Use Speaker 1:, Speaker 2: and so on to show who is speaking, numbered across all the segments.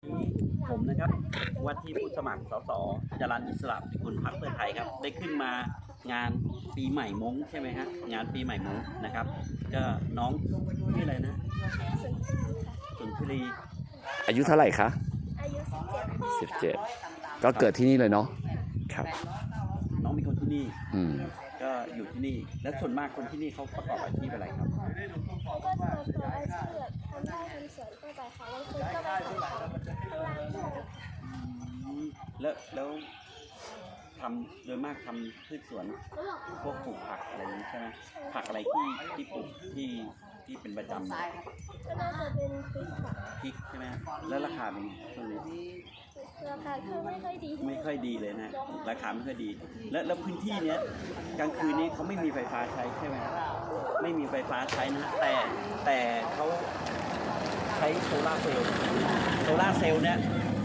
Speaker 1: ผมนะครับว่าที่ผู้สมัครสสจรัญอิสระพิกุลพรรคเพื่อไทยครับได้ขึ้นมางานปีใหม่ม้งใช่ไหมฮะงานปีใหม่ม้งนะครับก็น้องชื่ออะไรนะสุนทรี
Speaker 2: อายุเท่าไหร่คะ
Speaker 3: อายุ
Speaker 2: 17ก็เกิดที่นี่เลยเนาะครับ
Speaker 1: น้องเป็นคนที่นี่
Speaker 2: ก็
Speaker 1: ก็อยู่ที่นี่แล้วส่วนมากคนที่นี่เขาประกอบอาชีพอะไรครับ
Speaker 3: ก็จะประกอบอาชีพแบบทำไร่ทำสวนทั่วไปค่ะบางคนก็ไปขายของข้างล่างด้วย
Speaker 1: แล้วทำโดยมากทำพืชสวนพวกปลูกผักอะไรอย่างนี้ใช่ไหมผักอะไรที่ปลูกที่เป็นประจำ
Speaker 3: ก็น่าจะเป็นพริกค่ะ
Speaker 1: พริกใช่ไหมแล้วราคาเป็นช่วงนี้
Speaker 3: ราคาคือไม่ค่อยดี
Speaker 1: ไม่ค่อยดีเลยนะราคาไม่ค่อยดีแล้วพื้นที่เนี้ยกลางคืนนี้เขาไม่มีไฟฟ้าใช้ใช่ไหมไม่มีไฟฟ้าใช้นะแต่เขาใช้โซลาร์เซลล์เนี่ย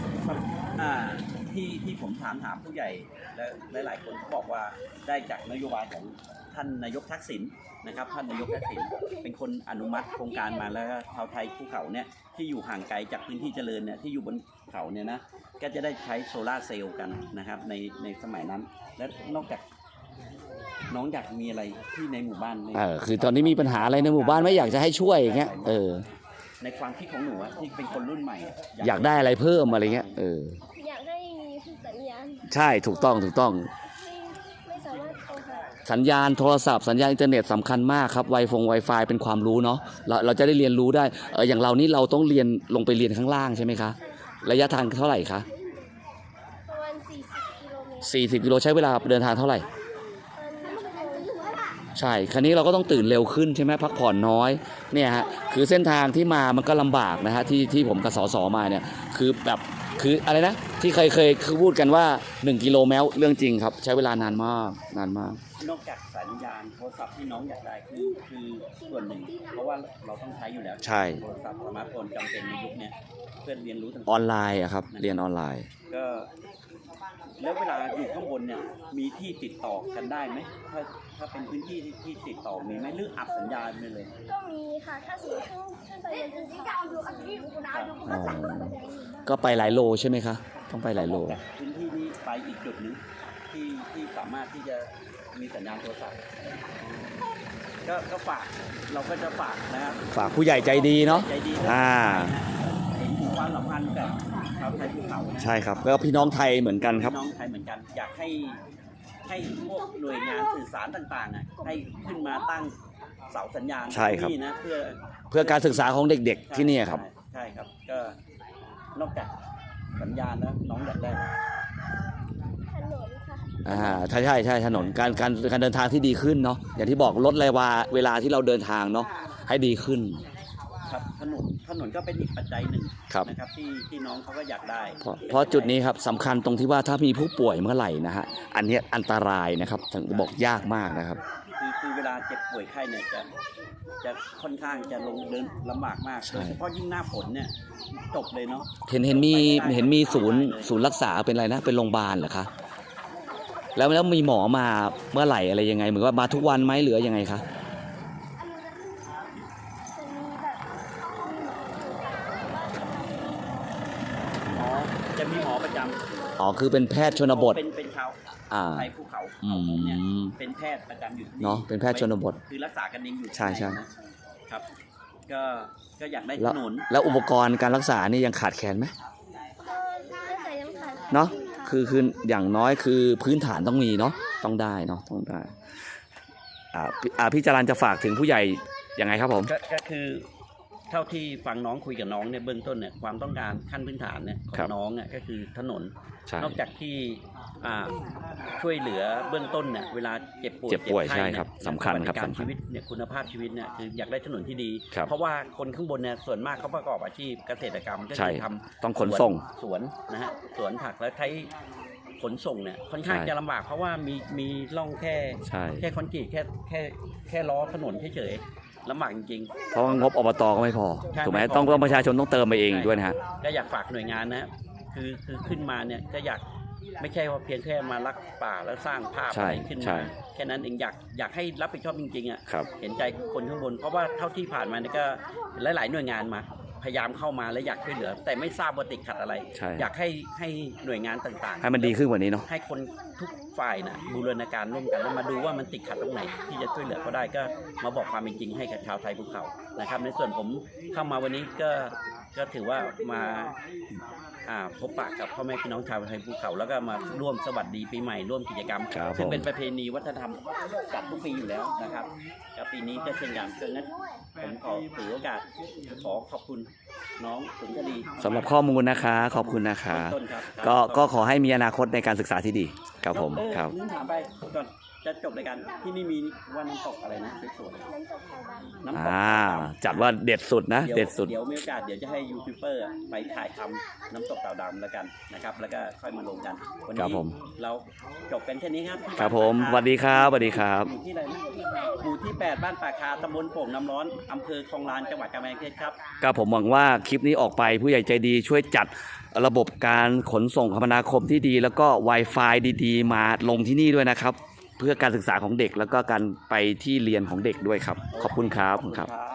Speaker 1: ที่ผมถามผู้ใหญ่และหลายคนบอกว่าได้จากนโยบายของท่านนายกทักษิณนะครับท่านนายกทักษิณเป็นคนอนุมัติโครงการมาแล้วชาวไทยภูเขาเนี่ยที่อยู่ห่างไกลจากพื้นที่เจริญเนี่ยที่อยู่บนเขาเนี่ยนะก็จะได้ใช้โซลาร์เซลล์กันนะครับในสมัยนั้นและนอกจากน้องอยากมีอะไรที่ในหมู่บ้าน
Speaker 2: คือตอนนี้มีปัญหาอะไรในหมู่บ้านไม่อยากจะให้ช่วยอย่างเงี้ย
Speaker 1: ในความคิดของหนูที่เป็นคนรุ่นใหม่
Speaker 2: อยากได้อะไรเพิ่มอะไรเงี้ย
Speaker 3: อยากให้มีสัญญาณ
Speaker 2: ใช่ถูกต้อง
Speaker 3: ไม่สามารถโทรหา
Speaker 2: สัญญาณโทรศัพท์สัญญาณอินเทอร์เน็ตสำคัญมากครับWi-Fi เป็นความรู้เนาะเราจะได้เรียนรู้ได้อย่างเรานี่เราต้องเรียนลงไปเรียนข้างล่างใช่ไหมคะระยะทางเท่าไหร่คะ
Speaker 3: ประมาณ40 กิโลเมตร
Speaker 2: 40 กิโลใช้เวลาเดินทางเท่าไหร่ใช่ครั้นี้เราก็ต้องตื่นเร็วขึ้นใช่ไหมพักผ่อนน้อยเนี่ยฮะคือเส้นทางที่มามันก็ลำบากนะฮะที่ผมกับสสมาเนี่ยคืออะไรนะที่เคยคือพูดกันว่า1 กิโลเมตรเรื่องจริงครับใช้เวลานานมาก
Speaker 1: นอกจากสัญญาณโทรศัพท์ที่น้องอยากได้คือส่วนหนึ่งเพราะว่าเราต้องใช้อยู่แล้ว
Speaker 2: ใช่
Speaker 1: โทรศัพท์สมาร์ทโฟนจำเป็นในยุคนี้เพื่อเรียนรู้ต่าง
Speaker 2: ๆออนไลน์อะครับเรียนออนไลน์
Speaker 1: ก็แล้วเวลาอยู่ข้างบนเนี่ยมีที่ติดต่อกันได้ไหมถ้าเป็นพื้นที่ที่ติดต่อมีไหมหรืออับสัญญาณไปเลย
Speaker 3: ก็มีค่ะถ้าสมมติขึ้นไปบนภูเขา
Speaker 2: ก็ไปหลายโลใช่ไหมคะต้องไปหลายโล
Speaker 1: พื้นที่นี้ไปอีกจุดหนึ่งที่สามารถที่จะมีสัญญาณโทรศัพท์ก็ฝากเราก็จะฝากนะครับ
Speaker 2: ฝากผู้ใหญ่ใจดีเนาะ
Speaker 1: ใจดีเห็นถึงความสัมพันธ์กับชาวไทยภูเขา
Speaker 2: ใช่ครับก็พี่น้องไทยเหมือนกันครับ
Speaker 1: พี่น้องไทยเหมือนกันอยากให้พวกหน่วยงานสื่อสารต่างๆให้ขึ้นมาตั้งเสาสัญญาณที่นะเ
Speaker 2: พื่อการศึกษาของเด็กๆที่นี่ครับ
Speaker 1: ใช่ครับก็นอกจากสัญญาณแล้วน้องอยากได้
Speaker 3: ถนนค่ะ
Speaker 2: ใช่ถนนการเดินทางที่ดีขึ้นเนาะอย่างที่บอกลดเวลาที่เราเดินทางเนาะให้ดีขึ้น
Speaker 1: ครับถนนก็เป็นอีกปัจจัยหนึ่งนะครับที่น้องเขาก็อยากได้
Speaker 2: เพราะจุดนี้ครับสำคัญตรงที่ว่าถ้ามีผู้ป่วยเมื่อไหร่นะฮะอันนี้อันตรายนะครับถึงบอกยากมากนะครับ
Speaker 1: คือเวลาเจ็บป่วยไข้เนี่ยจะค่อนข้างจะลงเดินลำบากมากโดยเฉพาะยิ่งหน้าฝนเนี่ยจบเลยเนาะ
Speaker 2: เห็นมีศูนย์รักษาเป็นอะไรนะเป็นโรงพยาบาลเหรอคะแล้วมีหมอมาเมื่อไหร่อะไรยังไงเหมือนว่ามาทุกวันไหมหรือยังไงคะ
Speaker 1: จะมีหมอประจำ
Speaker 2: คือเป็นแพทย์ชนบท
Speaker 1: เป็นชาวไทยภูเขาเนี่ยเป็นแพทย์ประจำอยู่
Speaker 2: เนาะเป็นแพทย์ชนบท
Speaker 1: คือรักษากันเองอยู่
Speaker 2: ใช่
Speaker 1: ครับก็อยากได้ถนน
Speaker 2: แล้วอุปกรณ์การรักษานี่ยังขาดแคลนไหมเนาะคืออย่างน้อยคือพื้นฐานต้องมีเนาะต้องได้พี่จรัญจะฝากถึงผู้ใหญ่ยังไงครับผม
Speaker 1: ก็คือเท่าที่ฟังน้องคุยกับน้องเนี่ยเบื้องต้นเนี่ยความต้องการขั้นพื้นฐานเนี่ยของน้องก็คือถนนนอกจากที่ช่วยเหลือเบื้องต้นเนี่ยเวลาเจ็บป่วย
Speaker 2: ใช่ครับสำคัญครับ
Speaker 1: การชีวิตเนี่ยคุณภาพชีวิตเนี่ยคืออยากได้ถนนที่ดีเพราะว่าคนข้างบนเนี่ยส่วนมากเขาประกอบอาชีพเกษตรกรรมก็จะทำ
Speaker 2: ต้องขนส่ง
Speaker 1: สวนนะฮะสวนผักแล้วใช้ขนส่งเนี่ยค่อนข้างจะลำบากเพราะว่ามีร่องแค่คอนกรีตแค่ล้อถนนเฉยลำบากจริง
Speaker 2: ๆเพราะงบอบตก็ไม่พอถูกไหมต้องประชาชนต้องเติมไปเองด้วยนะฮะ
Speaker 1: ก็อยากฝากหน่วยงานนะคือขึ้นมาเนี่ยก็อยากไม่ใช่ว่าเพียงแค่มารักป่าแล้วสร้างภาพอะไรขึ้นมาแค่นั้นเองอยากให้รับผิดชอบจริงๆเห็นใจคนข้างบนเพราะว่าเท่าที่ผ่านมาเนี่ยก็หลายๆหน่วยงานมาพยายามเข้ามาและอยากช่วยเหลือ แต่ไม่ทราบว่าติดขัดอะไร
Speaker 2: ใช่
Speaker 1: อยากให้หน่วยงานต่างๆ
Speaker 2: ให้มันดีขึ้นกว่านี้เนาะ
Speaker 1: ให้คนทุกฝ่ายนะบูรณาการร่วมกันแล้วมาดูว่ามันติดขัดตรงไหนที่จะช่วยเหลือเขาได้ก็มาบอกความเป็นจริงให้กับชาวไทยภูเขานะครับในส่วนผมเข้ามาวันนี้ก็ถือว่ามาพบปะกับพ่อแม่พี่น้องชาวไทยภูเขาแล้วก็มาร่วมสวัสดีปีใหม่ร่วมกิจกรรม
Speaker 2: ครับ
Speaker 1: ซึ่ง
Speaker 2: ผม
Speaker 1: เป็นประเพณีวัฒนธรรมจัดทุกปีอยู่แล้วนะครับกับปีนี้ก็เช่นกันดังนั้นผมขอถือโอกาสขอขอบคุณน้องสุนทรี
Speaker 2: สำหรับข้อมูลนะคะขอบคุณนะคะ
Speaker 1: ต้นครับ
Speaker 2: ก็ขอให้มีอนาคตในการศึกษาที่ดีครับผม ครับ
Speaker 1: ลืมถามไปก่อนจะจบรายการที่นี่มีว่าน้ำตกอะไรนะสวยๆ
Speaker 3: น้ำตกไทยดำ
Speaker 1: น้ำตก
Speaker 2: จัดว่าเด็ดสุดนะ เด็ดสุด
Speaker 1: เดี๋ยวมีโอกาสเดี๋ยวจะให้ยูทูบเบอร์ไปถ่ายทำน้ำตกเต่าดำแล้วกันนะครับ แล้วก็ค่อยมาลงกัน วัน
Speaker 2: ครับ
Speaker 1: นี้
Speaker 2: ผม
Speaker 1: เราจบกันแค่นี้ครับที่
Speaker 2: ครับผม
Speaker 1: าน
Speaker 2: สวัสดีครับสวัสดีครับ
Speaker 1: อยู่ที่ไหนนะหมู่ที่ 8 บ้านป่าคาตำบลโป่งน้ำร้อนอำเภอคลองลานจังหวัดกำแพงเพชรครับ
Speaker 2: ก็ผมหวังว่าคลิปนี้ออกไปผู้ใหญ่ใจดีช่วยจัดระบบการขนส่งคมนาคมที่ดี แล้วก็ Wi-Fi ดีๆ มาลงที่นี่ด้วยนะครับ เพื่อการศึกษาของเด็กแล้วก็การไปที่เรียนของเด็กด้วยครับ ขอบคุณครับ
Speaker 1: ขอบคุณครับ